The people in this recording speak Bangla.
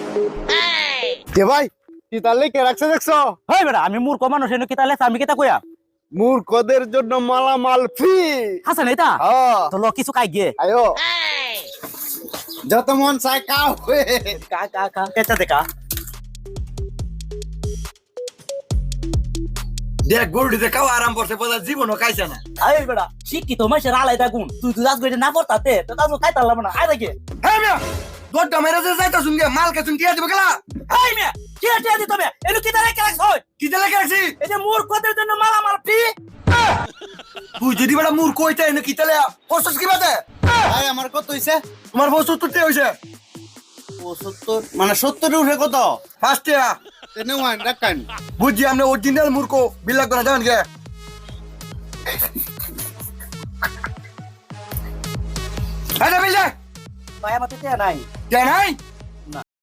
কে ভাই কি তাহলে কে রাখছে দেখছো? হেই বেটা আমি মূর্খ মানুষ এনে কিতা লেছ আমি কিতা কইয়া মূর্খদের জন্য মালামাল ফ্রি। হাসান এটা হ্যাঁ তো ল কিছু কাই গে আয়ো যত মন চাই কাও কা কা কা কেতা দেখা দেখ গরুটিতে খাওয়া আরাম করছে বোঝা জীবনও খাইছে না। আই বেটা শিক্ষিত মাইসের আলাই দাগুন তুই তুই আজ না পড়তাতে তো তাজু খাইতালাম না আই দেখে হ্যাঁ মিয়া দরটা মেরে যে যাইতা শুনগে মাল কে শুনকে দিব গেলা এই মে কে কে দি তবে এনু কিতা লেখা রাখছ হই কি দিলে রাখছি এই যে মূর্খদের জন্য মালামাল ফ্রি তুই যদি বড় মূর্খ হইতে এনে কি তেলে ফসস কি বাদে ভাই আমার কত হইছে? তোমার বস্তু তুই হইছে 75 মানে 70 উঠে কত? ফার্স্টিয়া তেনে ওয়ান রাখান বুঝি আমরা অরিজিনাল মূর্খ বিল্লাহ করে জানেন কে আরে বিল্লাহ ভাই আমার তো নাই জানাই